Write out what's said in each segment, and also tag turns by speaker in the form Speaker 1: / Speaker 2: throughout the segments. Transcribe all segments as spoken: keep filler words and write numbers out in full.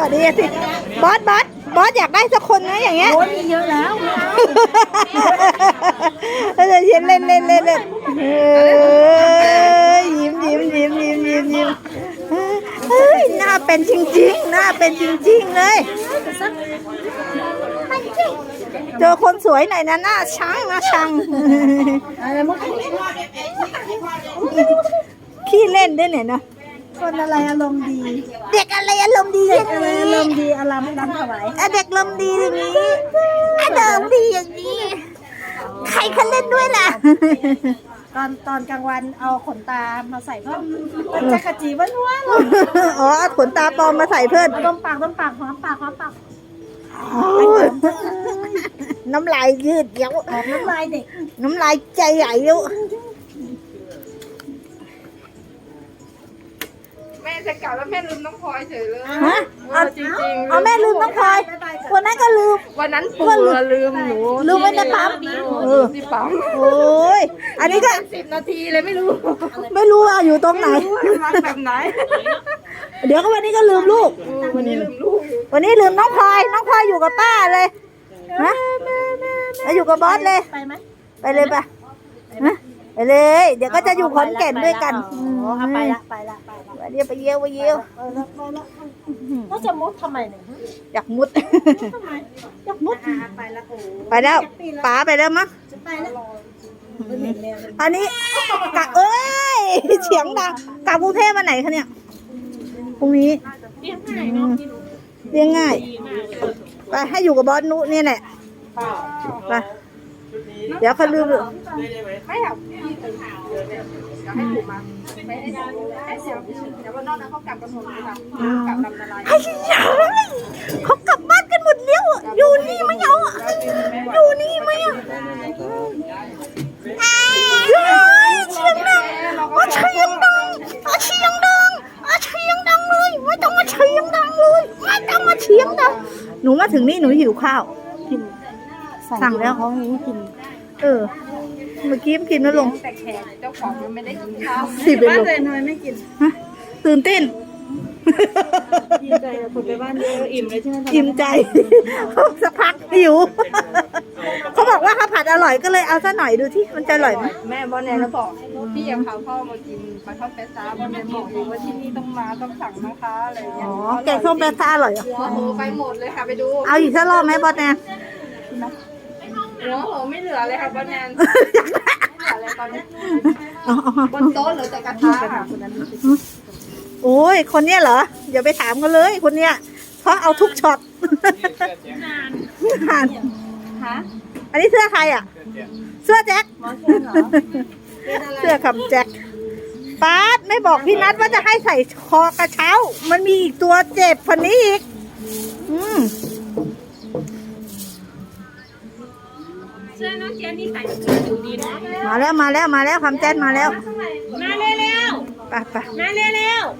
Speaker 1: วัสดีสิบอสบอสบอสอยากได้สักคนนะอย่างเงี้ย
Speaker 2: โอ้ยมีเยอะแล้ว
Speaker 1: เราจะเล่นเล่นเล่นเล่นเล่นยิ้มยิ้มยิ้มยิ้มยิ้มยิ้มเฮ้ยหน้าเป็นจริงๆหน้าเป็นจริงๆเลยเจอคนสวยหน่อยนะหน้าช้างนะช้างขี้เล่นด้วยเนี่ยนะ
Speaker 2: คนอะไรอารมณ์ดี
Speaker 1: เด็กอะไรอารมณ์ดีอย่างนี้
Speaker 2: อารมณ์ดีอารมณ์น้ำถวาย
Speaker 1: เด็กอารมณ์ดีอย่างนี้อารมณ์ดีอย่างนี้ใครเขาเล่นด้วยล่ะ
Speaker 2: ตอนตอนกลางวันเอาขนตามาใส่เพิ่มมันจะขจีวันว่า
Speaker 1: อ๋อขนตาปลอมมาใส่เพิ่ม
Speaker 2: ต้มปากต้มปากหอมปากหอมปาก
Speaker 1: น้ำลายยืดเยอะ
Speaker 2: น้ำลายเด็ก
Speaker 1: น้ำลายใจใหญ่ลูก
Speaker 3: แม่จะกลับแล้วแม่ลืมน้องพลอยเฉยเลย
Speaker 1: ฮะ
Speaker 3: จริงๆ
Speaker 1: เอาแม่ลืมน้องพลอยวันนั้นก็ลืม
Speaker 3: วันนั้นปู่ลืมหนู
Speaker 1: ลืมไว้ในปั๊ม
Speaker 3: เออที่ปั๊ม
Speaker 1: โอ้ยอันนี้ก็
Speaker 3: สิบนาทีเลยไม่รู้
Speaker 1: ไม่รู้ว่าอยู่ตรงไหน
Speaker 3: แบบไหน
Speaker 1: เดี๋ยวก็วันนี้ก็ลืมลูก
Speaker 3: วันนี้ลืมลูก
Speaker 1: วันนี้ลืมน้องพลอยน้องพลอยอยู่กับป้าเลยนะแล้วอยู่กับบอสเลย
Speaker 2: ไปไหม
Speaker 1: ไปเลยปะนะไปเลยเดี๋ยวก็จะอยู่ขอนแก่นด้วยกัน
Speaker 2: ไปละไปละไปละ
Speaker 1: เดี๋ยวไปเยี่ยวไปเยี่ยว
Speaker 2: ก็จะมุดทำไมเนี่ย
Speaker 1: อยากมุด
Speaker 2: ทำไมอยากมุดไปละโอ้
Speaker 1: ไปแล้วป๋าไปแล้วมั้ง
Speaker 2: ไปแล้ว
Speaker 1: อันนี้กะเอ้ยเสียงดังกลับกรุงเทพมาไหนคะเนี่ยพรุ่งนี้
Speaker 2: เลี้ยงง่ายเนาะ
Speaker 1: เลี้ยงง่ายไปให้อยู่กับบอสนุนี่แหละไปเดี๋ยวเขาลืมหรือ
Speaker 3: ไม่ครับให้ถูกมาไม่ให้ให้เสียเดี๋ยววันนอกนั้นเขากลับกันหมดเลยค่ะกลับลำละลาย
Speaker 1: ให้ยายเขากลับบ้านกันหมดแล้วอยู่นี่ไม่เอาอยู่นี่ไม่เอาเชียงดังมาเชียงดังมาเชียงดังมาเชียงดังเลยไม่ต้องมาเชียงดังเลยไม่ต้องมาเชียงดังหนูมาถึงนี่หนูหิวข้าวกินสั่งแล้วเขาหิวกินเออเมื่อกี้กินแล้วลง
Speaker 3: แต่แขกเจ้าของมันไม่ได้กินข้าว
Speaker 1: สิบเป็นลม
Speaker 2: ทำไมไม่กิน
Speaker 1: ตื่นเต้น
Speaker 2: อิ่มใจคนไปบ้านเยอะอิ่มเลยใช่ไหม
Speaker 1: อิ่มใจสักพักหิวเขาบอกว่าข้าวผัดอร่อยก็เลยเอาซะหน่อยดูที่มันจะอร่อยไหม
Speaker 3: แม่บอลแนนแล้วบอกพี่ยังพาพ่อมากินปลาทอดแป๊ะซ่าบอลแนนบอกอยู่ว่าที่นี่ต้องมาต้องสั่งนะคะอะไรอย่างเงี้ย
Speaker 1: อ๋อแกงส้มแป๊ะซ่าอร่อยเหรอ
Speaker 3: โอ้โหไปหมดเลยค่ะไปดู
Speaker 1: เอาอีกสักรอบไหมบอลแนน
Speaker 3: โอ้โหไม่เหลือเลยค่ะบอลแนนอะไรตอนนี้บนโต๊ะเหลือแต่กระทะค่ะ
Speaker 1: โอ้ยคนเนี้ยเหรออย่าไปถามกันเลยคนเนี้ยเพราะเอาทุกช็อตนาน
Speaker 3: ฮะ
Speaker 1: อันนี้เสื้อใครอ่ะเสื้อแจ็คเสื้อคำแจ็คป๊าดไม่บอกพี่นัทว่าจะให้ใส่คอกระเช้ามันมีอีกตัวเจ็บคนนี้อีกอืม
Speaker 3: เสื้อน้องเจนนี่ใส่อยู่ดีนะ
Speaker 1: มาแล้วมาแล้วมาแล้วคำแจ็คมาแล้ว
Speaker 3: มาเร็ว
Speaker 1: ๆไปไป
Speaker 3: มาเร็ว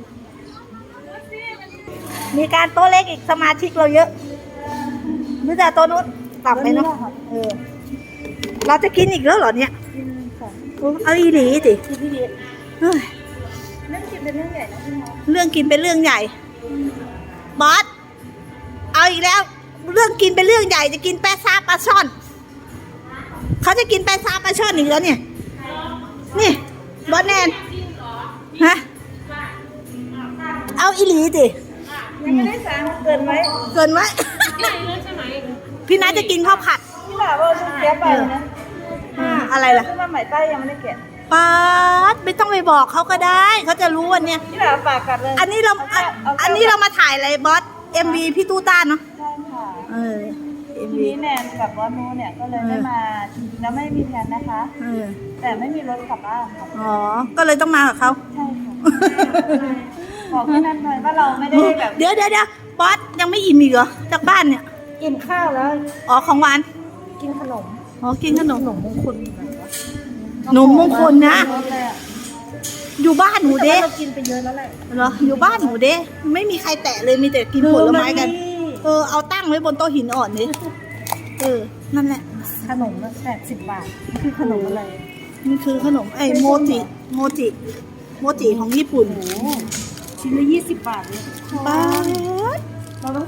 Speaker 1: มีการโต๊ะเล็กอีกสมาชิกเราเยอะนึกแต่โต๊ะนู้นปรับไปเนาะเออเราจะกินอีกแล้วเหรอเนี่ยเอาอีหลีสิเ
Speaker 2: รื่องกินเป็นเรื่องใหญ่นะพี่มอ
Speaker 1: เรื่องกินเป็นเรื่องใหญ่บอสเอาอีกแล้วเรื่องกินเป็นเรื่องใหญ่จะกินแปะซาปลาช่อนเขาจะกินแปะซาปลาช่อนอีกแล้วเนี่ยนี่บอสแนนฮะเอาอีหลีสิ
Speaker 2: ยังไม่ได้สั่งเกินไว้
Speaker 1: เกินไว้พี่นัทจะกินข้าวผัด
Speaker 2: พี่บ่าวว่าชุดเสียไปนะ
Speaker 1: อะไรล่ะ
Speaker 2: ชุดมาใหม่ใต้ยังไม่ได้แกะ
Speaker 1: ป๊าดไม่ต้องไปบอกเขาก็ได้เขาจะรู้วันเนี้ย
Speaker 2: พี่บ่าวฝากกัดเลย
Speaker 1: อันนี้เราอันนี้เรามาถ่ายอะไรบอสเอ็มวีพี่ตู้ต้านเนาะ
Speaker 2: ใช่ค่ะ
Speaker 1: เออ
Speaker 2: เอ็มวีแนนกับบอสนูเนี่ยก็เลยได้มาจริงๆแล้วไม่มีแผนนะคะแต่ไม่มีรถกลับบ้านค่ะ
Speaker 1: อ๋อก็เลยต้องมากับเขา
Speaker 2: ใช่ค่ะบอกพี่นัทหน่อยว่าเราไม่ได้แบบ
Speaker 1: เดี๋ยวเดี๋ยวเดี๋ยวบอสยังไม่อิ่มอีกเหรอจากบ้านเนี่ย
Speaker 2: กินข้าวแล้ว
Speaker 1: อ๋อของหวาน
Speaker 2: กินขนม
Speaker 1: อ๋อกินขนม
Speaker 2: ขนมมงคล
Speaker 1: ขนมมงคลนะอยู่บ้านหนูเด้
Speaker 2: เรากินไปเยอะแล้วแหละ
Speaker 1: เหรออยู่บ้านหนูเด้ไม่มีใครแตะเลยมีแต่กินผลไม้กันเออเอาตั้งไว้บนโต๊ะหินอ่อนนี่เออนั่นแหละ
Speaker 2: ขนมละแปดสิบบาทนี่คือขนมอะไร
Speaker 1: นี่คือขนมไอ้โมจิโมจิโมจิของญี่ปุ่น
Speaker 2: ชิ้นละยี่สิบบาทเลย
Speaker 1: บ้า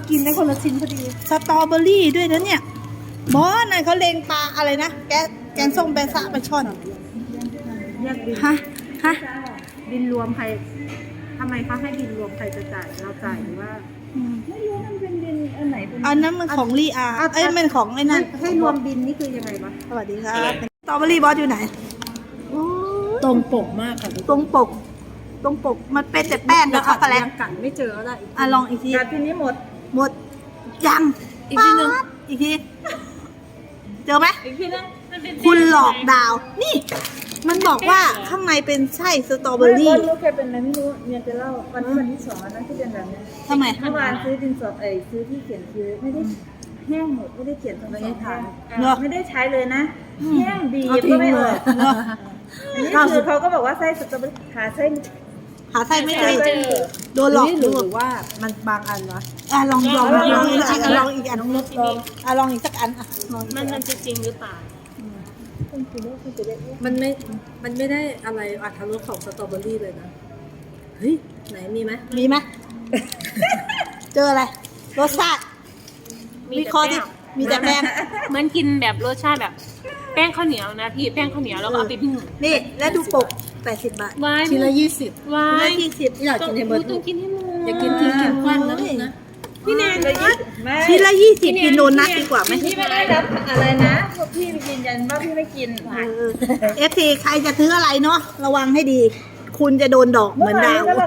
Speaker 2: กินได้คนละชิ้นพอดี
Speaker 1: สตรอเบอรี่ด้วยนะเนี่ยบอสนั่นเขาเลงปลาอะไรนะแกแกงส้มแปซะปลาช่อน
Speaker 2: แยกบิน
Speaker 1: ฮะฮะ
Speaker 2: บินรวมใครทำไมเขาให้บินรวมใครจะจ่ายเราจ่ายหรือว่า
Speaker 1: อืม
Speaker 2: ไม่รู้มันเป็นบินอันไหนเป็น
Speaker 1: อันนั้นมันของลีอาเอ้ยมันของไอ้นั่น
Speaker 2: ให้รวมบินนี่คือยังไงวะ
Speaker 1: สวัสดีครับสตรอเบอรี่บอสอยู่ไหน
Speaker 2: ตรงปกมากค่ะ
Speaker 1: ตรงปก ตรงปกมันเป็นแต่แป้งกับช็อกโกแลต
Speaker 2: ยังกัดไม่เจออะไร
Speaker 1: อ่ะลองอีกที
Speaker 2: กัดทีนี้หมด
Speaker 1: หมดยัง
Speaker 2: อีกทีหนึ่ง
Speaker 1: ป๊าดอีกทีเจอไหม
Speaker 2: อีกทีนึงมันเป็น
Speaker 1: คุณหลอกดาว นี่ มันบอกว่าข้างในเป็นไส้สตรอเบอรี่
Speaker 2: ไม่รู้แกเป็นอะไรไม่รู้เมียจะเล่าวันนี้วันที่สองอันนั้นที่เป็นแบบนี้
Speaker 1: ทำไม
Speaker 2: เมื่อวานซื้อดินสอเอ้ยซื้อที่เขียนคิ้วไม่ได้แห้งหมดไม่ได้เขียนทั้งสองแห้ง
Speaker 1: เนอะ
Speaker 2: ไม่ได้ใช้เลยนะแห้งบี
Speaker 1: เอา
Speaker 2: บ
Speaker 1: ทิ้
Speaker 2: ก็
Speaker 1: ง
Speaker 2: ไม่อ
Speaker 1: เล
Speaker 2: อย ก
Speaker 1: เนอะ
Speaker 2: อันนี้คือเขาก็บอกว่าไส้สตรอเบอรี่หาไส้
Speaker 1: หาไส้ไม่เจอ
Speaker 2: เจอ
Speaker 1: โดนหลอก
Speaker 2: ห
Speaker 1: ดู
Speaker 2: รือว่ามันบางอันวะ
Speaker 1: อ่ะลองลองลองลองอีกอัน
Speaker 2: ลอง
Speaker 1: ลองอีกอันลองอ่ะลองอีกสักอันอ่ะลองอีก
Speaker 4: มัน
Speaker 1: สักอั
Speaker 4: มัน นจะจริงหรือเปล่า
Speaker 5: มันไม่ มันไม่ได้อะไรอรรถรสของสตรอเบอรี่เลยนะ เฮ้ย ไหนมีไหม
Speaker 1: มีไหม เจออะไร รสชาติ
Speaker 4: มี
Speaker 1: วิ
Speaker 4: แต่
Speaker 1: เคราะห์
Speaker 4: แป้
Speaker 1: ที่
Speaker 4: ง
Speaker 1: มีแต่แป้ง
Speaker 4: เหมือนกินแบบรสชาติแบบ แป้งข้าวเหนียวนะพี่แป้งข้าวเหนียวแล้วก็เอาไปนึ่ง
Speaker 1: นี่ แล้วดูปกแปดสิบบาท
Speaker 4: วาย
Speaker 5: ชิ้นละยี่สิบ
Speaker 4: วา
Speaker 1: แล้
Speaker 4: ยว
Speaker 1: ที่สิบ
Speaker 5: อยากกินให้เบิร์ด
Speaker 4: ต้องกินให้หมด
Speaker 5: อย่ากินทิ้งกินคว้างนะลูกนะ
Speaker 4: พี่แนน
Speaker 2: เลยยี่ไม่
Speaker 1: ชิ้นละยี่สิบกินโดนัทดีกว่าไหม
Speaker 2: พี่ไม่ได้รับอะไรนะพวกพี่ยืนยันว่าพี่ไม่กิน
Speaker 1: เอฟซีใครจะซื้ออะไรเนาะระวังให้ดี คุณจะโดนดอกเหมือนดาว